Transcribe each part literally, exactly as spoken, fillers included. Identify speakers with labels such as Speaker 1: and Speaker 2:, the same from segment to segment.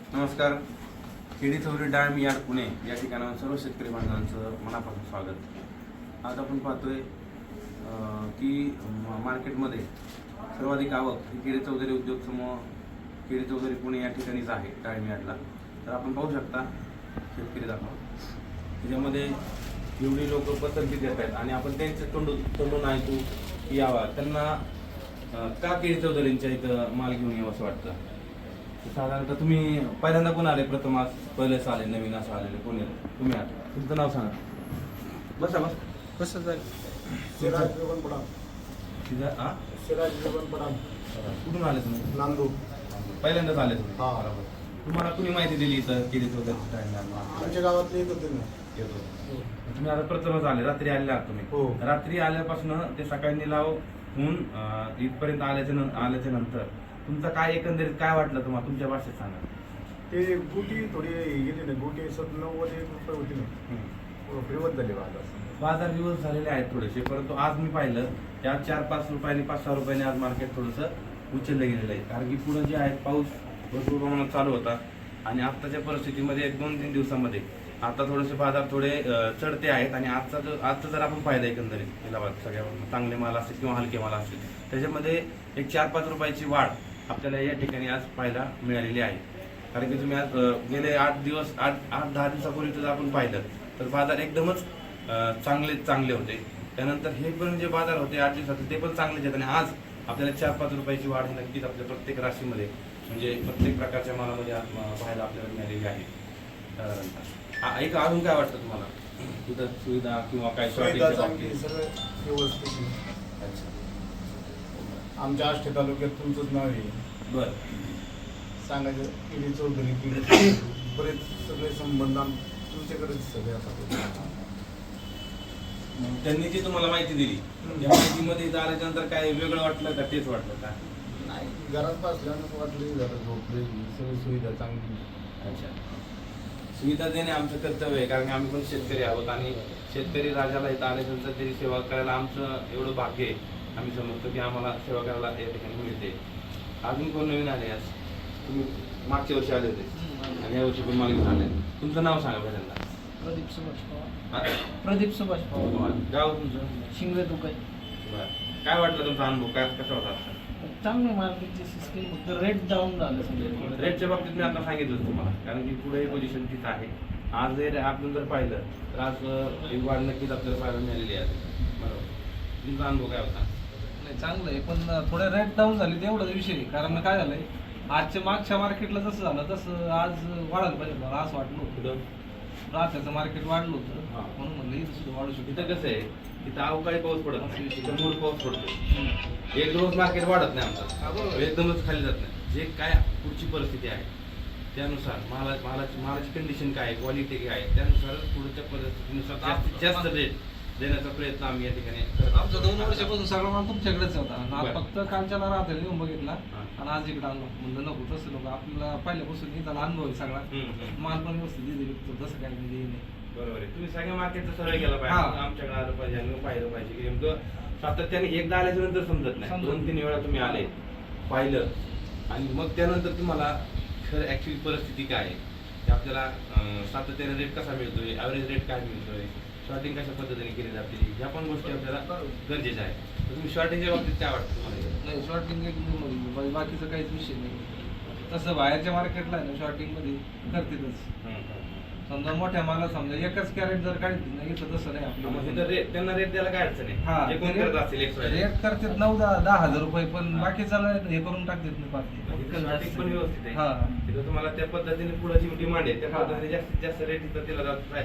Speaker 1: नमस्कार. केडी चौधरी डाळिंब यार्ड पुणे या ठिकाणावर सर्व शेतकरी बांधवांचं मनापासून स्वागत. आज आपण पाहतोय की मार्केटमध्ये सर्वाधिक आवक ही केडी चौधरी उद्योग समूह केडी चौधरी पुणे या ठिकाणीच आहे डाळिंब यार्डला. तर आपण पाहू शकता शेतकरी दाखवा त्याच्यामध्ये एवढी लोक पसंती देत आहेत आणि आपण त्यांचं तोंडून तोंडून ऐकू की यावा त्यांना का केडी चौधरींच्या इथं माल घेऊन यावं असं वाटतं. साधारणतः तुम्ही पहिल्यांदा कोण आले? प्रथम आज पहिलेच आले, नवीन असं आलेले कोणी तुम्ही आले? तुमचं नाव सांगा. बसा बस कसं जाईल. कुठून आले तुम्ही?
Speaker 2: नांदूर.
Speaker 1: पहिल्यांदाच आले तुम्ही? बरोबर. तुम्हाला कुणी माहिती दिली इथं केली वगैरे?
Speaker 2: आमच्या गावातले येत होते ना.
Speaker 1: येतो. तुम्ही आता प्रथमच आले, रात्री आलेला आहात तुम्ही?
Speaker 2: हो.
Speaker 1: रात्री आल्यापासून ते सकाळी निलाव होऊन इथपर्यंत आल्याच्या आल्याच्या नंतर तुमचं काय एकंदरीत काय वाटलं तुम्हाला? तुमच्या भाषेत सांगा.
Speaker 2: ते गुटी थोडी गेली ना, गुटी सत नव्वद एक रुपये होती ना, फिरवत झाले बाजार.
Speaker 1: बाजार दिवस झालेले आहेत थोडेसे, परंतु आज मी पाहिलं त्या चार पाच रुपयांनी पाच सहा रुपयांनी आज मार्केट थोडंसं उचललं गेलेलं आहे. कारण की पुढे जे आहे पाऊस भरपूर प्रमाणात चालू होता आणि आत्ताच्या परिस्थितीमध्ये एक दोन तीन दिवसामध्ये आता थोडेसे बाजार थोडे चढते आहेत. आणि आजचा जो आजचा जर आपण पाहिलं एकंदरीत इलाहाबाद सगळ्या चांगले माल असतील किंवा हलके माल असतील त्याच्यामध्ये एक चार पाच रुपयाची वाढ आपल्याला या ठिकाणी आज पाहायला मिळालेली आहे. कारण की तुम्ही आज गेले आठ दिवस आठ आठ दहा दिवसापूर्वी जर आपण पाहिलं तर बाजार एकदमच चांगले चांगले होते. त्यानंतर हे पण जे बाजार होते आठ दिवसाचे ते पण चांगलेच आहेत. आणि आज आपल्याला चार पाच रुपयाची वाढ ही नक्कीच आपल्या प्रत्येक राशीमध्ये म्हणजे प्रत्येक प्रकारच्या मालामध्ये पाहायला आपल्याला मिळालेली आहे. साधारणतः एक अजून काय वाटतं तुम्हाला तिथं सुविधा किंवा काय
Speaker 2: सुविधा चांगली सगळं व्यवस्थित.
Speaker 1: अच्छा.
Speaker 2: आमच्या आष्टे तालुक्यात तुमचंच नाव आहे.
Speaker 1: बरं.
Speaker 2: सांगायचं केडी चौधरी केडी बरेच सगळे संबंध आम तुमच्याकडेच सगळे आता.
Speaker 1: त्यांनी जी तुम्हाला माहिती दिली त्या माहितीमध्ये इथं आल्याच्यानंतर काय वेगळं वाटलं का तेच वाटलं का?
Speaker 2: नाही, घरात बसल्यानं वाटली जरा झोपली, सगळी सुविधा चांगली.
Speaker 1: अच्छा. सुविधा देणे आमचं कर्तव्य आहे कारण की आम्ही पण शेतकरी आहोत आणि शेतकरी राजाला इथं आल्यानंतर त्याची सेवा करायला आमचं एवढं भाग्य आहे. आम्ही समजतो की आम्हाला सेवा करायला या ठिकाणी मिळते. अजून कोण नवीन आले आज? तुम्ही मागच्या वर्षी आले होते आणि या वर्षी पण मागे आले. तुमचं नाव सांगा पहिल्यांदा.
Speaker 3: प्रदीप सुभाष पवार. प्रदीप सुभाष पवार.
Speaker 1: गाव तुमचं?
Speaker 3: शिंगवे दुकान.
Speaker 1: बरं. काय वाटलं तुमचा अनुभव? काय कसा होता?
Speaker 3: चांगली मार्केटची सिस्टीम, फक्त रेट डाऊन झालं सगळं.
Speaker 1: रेटच्या बाबतीत मी आता सांगितलं तुम्हाला कारण की पुढे पोझिशन तिथं आहे. आज जर आपण जर पाहिलं तर आज एक वाढ नक्कीच आपल्याला पाहायला मिळालेली आहे. बरोबर. तुमचा अनुभव काय होता?
Speaker 3: नाही, चांगलं आहे पण थोडे रेट डाऊन झाले तेवढाच विषय. कारण काय झालंय आजच्या मागच्या मार्केटला जसं झालं तसं आज वाढायला पाहिजे मला असं वाटलं होतं. रात्याचं मार्केट वाढलं होतं म्हणून म्हणलं इथं सुद्धा वाढू शकतो.
Speaker 1: इथं कसं आहे तिथं अवकाळी पाऊस पडत नाही, तिथं मूळ पाऊस पडतो. एक रोज मार्केट वाढत नाही आमचं, एकदमच खाली जात नाही. जे काय पुढची परिस्थिती आहे त्यानुसार माला मालाची मालाची कंडिशन काय आहे, क्वालिटी काय आहे त्यानुसारच पुढच्या परिस्थितीनुसार जास्तीत जास्त रेट देण्याचा प्रयत्न आम्ही या ठिकाणी करत.
Speaker 3: आमचा दोन वर्षापासून सगळा माल तुमच्याकडेच होता. फक्त कालच्याला राहते लिहून बघितला आणि आज इकडे आणलो. म्हणलं नको तसं नको, आपल्याला पहिल्यापासून इथला अनुभव आहे सगळा. माल पण व्यवस्थित दिले तसं काय म्हणजे नाही.
Speaker 1: बरोबर आहे. तुम्ही सगळ्या मार्केटचं सरळ गेला पाहिजे, आमच्याकडे आलं पाहिजे आणि पाहिलं पाहिजे की नेमकं सातत्याने एकदा आल्याच्या नंतर समजत नाही. दोन तीन वेळा तुम्ही आले पाहिलं आणि मग त्यानंतर तुम्हाला खरं ॲक्च्युली परिस्थिती काय आहे ते आपल्याला सातत्याने रेट कसा मिळतोय, ॲव्हरेज रेट काय मिळतोय, शॉर्टिंग कशा पद्धतीने केली जाते ह्या पण गोष्टी आपल्याला गरजेच्या आहेत. तर तुम्ही शॉर्टिंगच्या बाबतीत काय वाटतं तुम्हाला?
Speaker 3: नाही, शॉर्टिंग एक नंबर, बाकीचं काहीच विषय नाही. तसं बाहेरच्या मार्केटला आहे ना शॉर्टिंगमध्ये करतीलच. समजा मोठ्या माला समजा एकच कॅरेट जर काढतील ना इथं तसं नाही आपलं.
Speaker 1: रेट त्यांना रेट द्यायला काय अडचण आहे?
Speaker 3: हा, रेट करतात नऊ दहा दहा हजार रुपये पण बाकीचा हे करून टाकतात ना पार्टी
Speaker 1: पण व्यवस्थित आहे.
Speaker 3: हा,
Speaker 1: तिथं तुम्हाला त्या पद्धतीने पुढे जी डिमांड आहे त्या पद्धतीने जास्तीत जास्त रेट इथं दिला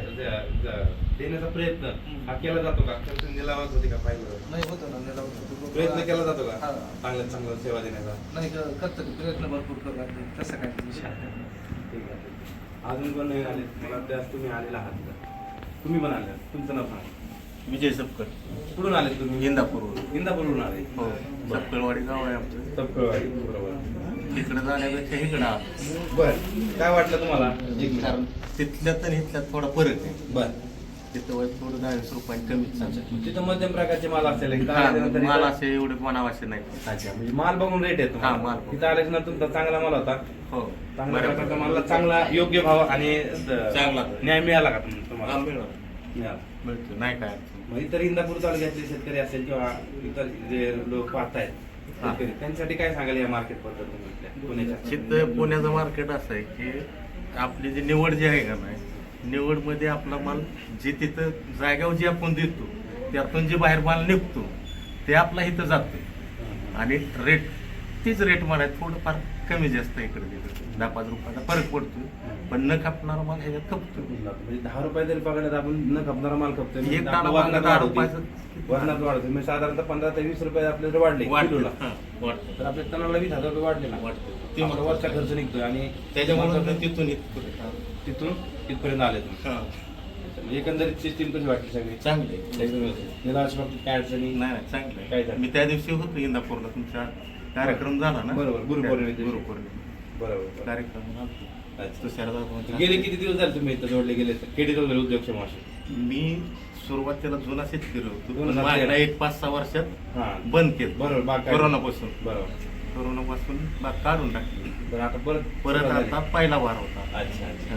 Speaker 1: जात देण्याचा प्रयत्न हा केला जातो का? निलावात होते का पाहिजे?
Speaker 3: नाही होतो ना निलाव
Speaker 1: प्रयत्न केला जातो का
Speaker 3: हा.
Speaker 1: चांगल्यात चांगलं सेवा देण्याचा?
Speaker 3: नाही करतो प्रयत्न भरपूर करतात तसं काय विषय नाही.
Speaker 1: ठीक आहे. अजून पण नवीन आले मला त्यास तुम्ही आलेला आहात. तुम्ही पण आले, तुमचं नाव सांगा.
Speaker 4: विजय सपकर.
Speaker 1: कुठून आले तुम्ही?
Speaker 4: इंदापूरवरून.
Speaker 1: इंदापूरवरून आले.
Speaker 4: हो, सपकळवाडी गाव आहे आमचं.
Speaker 1: सपकळवाडी. बरोबर.
Speaker 4: इकडं जाण्यापेक्षा इकडं आलो.
Speaker 1: बरं. काय वाटलं तुम्हाला?
Speaker 4: कारण तिथल्यात आणि इथल्यात थोडा फरक आहे.
Speaker 1: बरं.
Speaker 4: तिथं वर थोडं दहा वीस रुपयांनी कमीच चालतं.
Speaker 1: तिथं मध्यम प्रकारचे माल असेल इथं
Speaker 4: हा,
Speaker 1: आल्यानंतर
Speaker 4: माल
Speaker 1: इथं-
Speaker 4: असे एवढे मनावाचे नाही.
Speaker 1: अच्छा म्हणजे माल बघून रेट येतो
Speaker 4: हा, माल बघून.
Speaker 1: तिथं आल्यानंतर तुमचा चांगला माल होता.
Speaker 4: हो
Speaker 1: चांगल्या
Speaker 4: बऱ्यापैकी.
Speaker 1: प्रकारचा माल चांगला योग्य भाव आणि
Speaker 4: चांगला.
Speaker 1: न्याय मिळाला का तुम-
Speaker 4: हा,
Speaker 1: तुम्हाला
Speaker 4: मिळालं.
Speaker 1: मिळाला.
Speaker 4: मिळतो नाही काय अडचण.
Speaker 1: मग इतर इंदापूर तालुक्यातले शेतकरी असेल किंवा इतर जे लोक पाहतायत
Speaker 4: हा.
Speaker 1: शेतकरी, त्यांच्यासाठी काय सांगाल या मार्केट बद्दल तुम्ही इथल्या पुण्याच्या?
Speaker 4: तिथं पुण्याचं मार्केट असं आहे की आपली जी निवड जी आहे का नाही, निवडमध्ये आपला माल जे तिथं जाग्यावर जे आपण देतो त्यातून जे बाहेर माल निघतो ते आपला इथं जातो आणि रेट तीच रेट मला थोडंफार कमी जास्त इकडे तिकडे दहा पाच रुपयाचा फरक पडतो, पण न कापणारा माल ह्याच्यात खपतो.
Speaker 1: म्हणजे दहा रुपये जरी पकडले तर आपण न खपणारा माल खपतोय
Speaker 4: एक
Speaker 1: म्हणजे
Speaker 4: दाणा
Speaker 1: आपलं
Speaker 4: माल
Speaker 1: वजनात
Speaker 4: दहा
Speaker 1: वाढ होते.
Speaker 4: रुपयाचं
Speaker 1: वजनात वाढते म्हणजे साधारणतः पंधरा ते वीस रुपये आपल्याला वाढले किलोला.
Speaker 4: वाढतं. हा, वाढतं.
Speaker 1: तर आपल्या तणाला वीस हजार रुपये वाढले ना
Speaker 4: वाढतं.
Speaker 1: ते आपला वरचा खर्च निघतोय आणि
Speaker 4: त्याच्यामुळे
Speaker 1: त्याच्यामुळे
Speaker 4: तिथून इथपर्यंत.
Speaker 1: तिथून इथपर्यंत आले तुम्ही.
Speaker 4: हा,
Speaker 1: म्हणजे एकंदरीत सिस्टीम कशी वाटली सगळी?
Speaker 4: चांगले.
Speaker 1: एकदम व्यवस्थित. निराश बाबतीत काय अडचणी?
Speaker 4: नाही नाही चांगलं
Speaker 1: काय
Speaker 4: आहे.
Speaker 1: झालं?
Speaker 4: मी त्या दिवशी होतो इंदापूरला, तुमचा कार्यक्रम झाला ना.
Speaker 1: बरोबर, गुरुपौर्णिमे दिवशी.
Speaker 4: गुरुपौर्णिमे
Speaker 1: बरोबर.
Speaker 4: कार्यक्रम आलतो.
Speaker 1: अच्छा.
Speaker 4: तुषारदा
Speaker 1: गेले किती दिवस झाले तुम्ही इथं जोडले गेले केडी वगैरे उद्योगक्षम असे?
Speaker 4: मी सुरुवातीला जुना शेतकरी होतो,
Speaker 1: जुना
Speaker 4: पण
Speaker 1: शेतकरी.
Speaker 4: मागल्या एक पाच सहा वर्षात
Speaker 1: हा
Speaker 4: बंद केलं.
Speaker 1: बरोबर, बाग काय-
Speaker 4: कोरोनापासून
Speaker 1: बरोबर.
Speaker 4: कोरोनापासून बाग काढून टाकली.
Speaker 1: बरं आता परत
Speaker 4: परत
Speaker 1: सुरुवात
Speaker 4: आता
Speaker 1: झाली.
Speaker 4: पहिला वार होता.
Speaker 1: अच्छा अच्छा
Speaker 4: हा.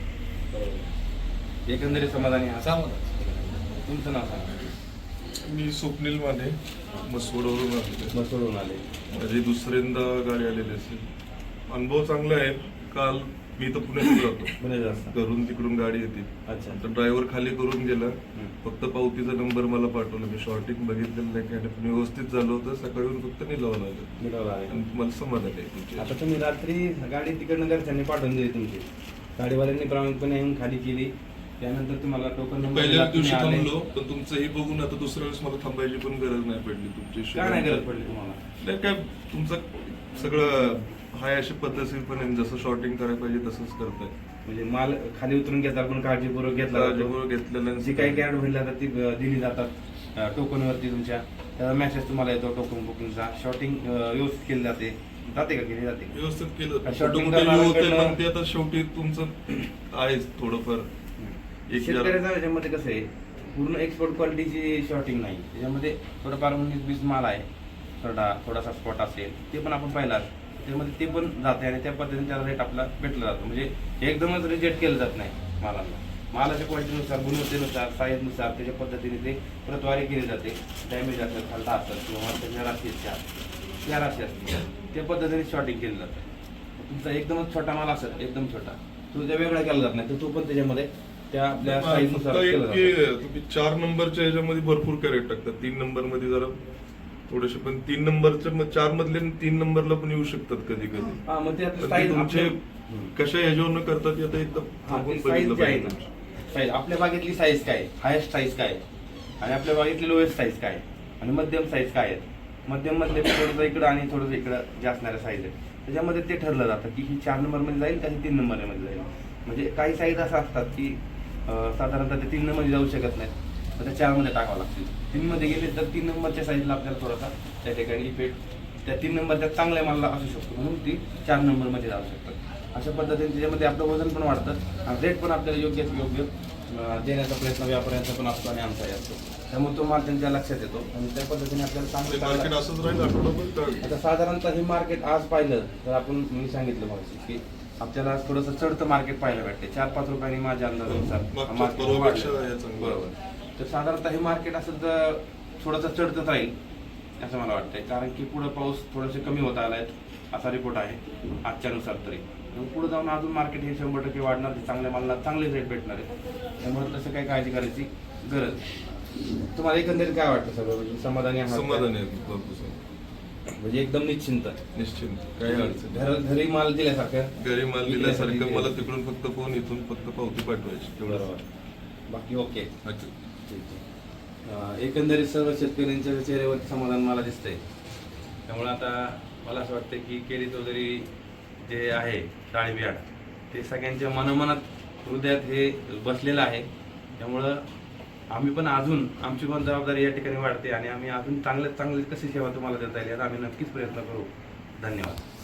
Speaker 1: बरोबर. एकंदरीत समाधानी आहात? तुमचं नाव सांगा.
Speaker 5: मी स्वप्नील माने मसवडवरून आलेलो
Speaker 1: मग सोडून आले.
Speaker 5: आहे. माझी दुसऱ्यांदा गाडी आलेली असेल. अनुभव चांगला आहे. काल मी तर पुण्यात जातो,
Speaker 1: पुणे जास्त.
Speaker 5: घरून तिकडून गाडी येते,
Speaker 1: अच्छा
Speaker 5: तर ड्रायव्हर खाली करून गेला.
Speaker 1: हम्म.
Speaker 5: फक्त पावतीचा नंबर मला पाठवला. मी शॉर्टिंग बघितलेलं नाही काय नाही, पण व्यवस्थित झालं होतं. सकाळी फक्त निलावं लागलं
Speaker 1: मिळवलं आहे.
Speaker 5: आणि मला समाधान आहे तुमच्या.
Speaker 1: आता तुम्ही रात्री गाडी तिकडनं घरच्यांनी पाठवून दिली तुमची, गाडीवाल्यांनी प्रामाणिकपणे येऊन खाली केली, त्यानंतर तुम्हाला टोकन नंबर
Speaker 5: पहिल्या
Speaker 1: दिला,
Speaker 5: दिवशी
Speaker 1: तुम्ही आले.
Speaker 5: थांबलो, पण तुमचं हे बघून आता दुसऱ्या वेळेस मला थांबायची पण गरज नाही पडली. तुमची
Speaker 1: काय नाही गरज पडली तुम्हाला?
Speaker 5: नाही काय, तुमचं सगळं हाय अशी पद्धतशीरपणे जसं शॉर्टिंग करायला पाहिजे तसंच करताय.
Speaker 1: म्हणजे माल खाली उतरून घेतला पण काळजीपूर्वक घेतला जातो.
Speaker 5: काळजीपूर्वक घेतलेलं
Speaker 1: जी काही कॅरेट भरली जातात ती अं, दिली जातात टोकनवरती तुमच्या. त्याचा मेसेज तुम्हाला येतो टोकन बुकिंगचा. शॉर्टिंग व्यवस्थित केली जाते जाते का केली जाते?
Speaker 5: व्यवस्थित केलं.
Speaker 1: Shorting
Speaker 5: कुठे कुठे होते,
Speaker 1: करणाऱ्याकडनं-
Speaker 5: पण ते आता शेवटी तुमचं आहेच थोडंफार. एक
Speaker 1: शेतकऱ्याचा याच्यामध्ये कसं आहे, पूर्ण एक्सपोर्ट क्वालिटीची शॉर्टिंग नाही, त्याच्यामध्ये थोडंफार उन्नीस बीस माल आहे, थोडा थोडासा स्पॉट असेल ते पण आपण पाहिला, त्यामध्ये ते पण जाते आणि त्या पद्धतीने त्याला रेट आपला भेटला जातो. म्हणजे एकदमच रिजेक्ट केलं जात नाही मालांना. मालाच्या क्वालिटीनुसार, गुणवत्तेनुसार, साईजनुसार त्याच्या पद्धतीने ते प्रतवारी केली जाते. डॅमेज असेल, खालता असेल किंवा त्याच्या राशी चार त्या राशी असतील त्या पद्धतीने शॉर्टिंग केलं जातं. तुमचा एकदमच छोटा माल असेल, एकदम छोटा, तो त्या वेगळा केला जात नाही, तर तो पण त्याच्यामध्ये त्या आपल्या साईजनुसार
Speaker 5: फक्त
Speaker 1: केला
Speaker 5: एक की
Speaker 1: जातो.
Speaker 5: तुम्ही चार नंबरच्या ह्याच्यामध्ये भरपूर कॅरेट टाकतात. तीन नंबर मध्ये जरा थोडेसे, पण तीन नंबरच्या मग चार मधले तीन नंबरला पण येऊ शकतात कधी कधी.
Speaker 1: हा मग ते
Speaker 5: तर
Speaker 1: आपलं
Speaker 5: ते
Speaker 1: साईज
Speaker 5: तुमचे
Speaker 1: आपलं-
Speaker 5: कशा ह्याच्यावरनं करतात ते आता एकदम
Speaker 1: हा,
Speaker 5: बघून
Speaker 1: ते
Speaker 5: बघितलं
Speaker 1: साईज जे आहे
Speaker 5: पाहिजे
Speaker 1: ना,
Speaker 5: तुमची.
Speaker 1: साईज आपल्या बागेतली साईज काय आहे, हायेस्ट साईज काय आहे, आणि आपल्या बागेतली लोएस्ट साईज काय आहे, आणि मध्यम साईज काय आहेत. मध्यम मधले थोडंसं इकडं आणि थोडंसं इकडं जे असणाऱ्या साईज आहेत त्याच्यामध्ये ते ठरलं जातं की ही चार नंबरमध्ये जाईल का ही तीन नंबरमध्ये जाईल. म्हणजे काही साईज असं असतात की अं, साधारणतः ते तीन नंबरमध्ये जाऊ शकत नाहीत, तर त्या चारमध्ये टाकावं लागतील. तीनमध्ये गेले तर तीन नंबरच्या साईजला आपल्याला थोडासा त्या ठिकाणी इफेक्ट त्या तीन नंबरच्या चांगल्या मालला असू शकतो, म्हणून ती चार नंबरमध्ये जाऊ शकतात. अशा पद्धतीने त्याच्यामध्ये आपलं वजन पण वाढतं आणि रेट पण आपल्याला योग्य योग्य अं, देण्याचा प्रयत्न व्यापाऱ्यांचा पण असतो आणि आमचाही असतो. त्यामुळे तो माल त्यांच्या लक्षात येतो आणि त्या पद्धतीने आपल्याला
Speaker 5: ते
Speaker 1: चांगलं
Speaker 5: मार्केट असंच राहील आठवडाभर का?
Speaker 1: आता साधारणतः हे मार्केट आज पाहिलं तर आपण मी सांगितलं मगाशी की आपल्याला आज थोडंसं चढतं मार्केट पाहायला भेटते. चार पाच रुपयांनी माझ्या अंदाजानुसार
Speaker 5: मागच्या
Speaker 1: market
Speaker 5: परवापेक्षा
Speaker 1: वाढलं.
Speaker 5: हे चांगलं.
Speaker 1: बरोबर. तर साधारणतः हे मार्केट असं तर थोडंसं चढतच राहील असं मला वाटतंय, कारण की पुढं पाऊस थोडेसे कमी होत आलाय असा रिपोर्ट आहे आजच्यानुसार तरी. पुढे जाऊन अजून मार्केट हे शंभर टक्के वाढणार, ते चांगल्या मालाला चांगले रेट भेटणार आहे. त्यामुळे तसं काही काळजी करायची गरज नाही. तुम्हाला एकंदरीत काय वाटतं सगळं, म्हणजे समाधानी आहात का?
Speaker 5: समाधान आहे भरपूर.
Speaker 1: म्हणजे एकदम निश्चिंत
Speaker 5: निश्चिंत काही अडचण नाही.
Speaker 1: घर घरी माल दिल्यासारखं
Speaker 5: घरी माल दिल्यासारखं
Speaker 1: विकल्यासारखं
Speaker 5: मला तिकडून फक्त फोन, इथून फक्त पावती पाठवायची तेवढं.
Speaker 1: बरोबर. बाकी ओके.
Speaker 5: अच्छा.
Speaker 1: ठीक आहे. अं, एकंदरीत सर्व शेतकऱ्यांच्या चेहऱ्यावरती समाधान मला दिसतंय. त्यामुळे आता मला असं वाटतं की केळी चौधरी जे आहे डाळिंबियाड ते सगळ्यांच्या मनोमनात हृदयात हे बसलेलं आहे. त्यामुळं आम्ही पण अजून आमची पण जबाबदारी या ठिकाणी वाढते आणि आम्ही अजून चांगल्यात चांगली कशी सेवा तुम्हाला देता येईल याचा आम्ही नक्कीच प्रयत्न करू. धन्यवाद.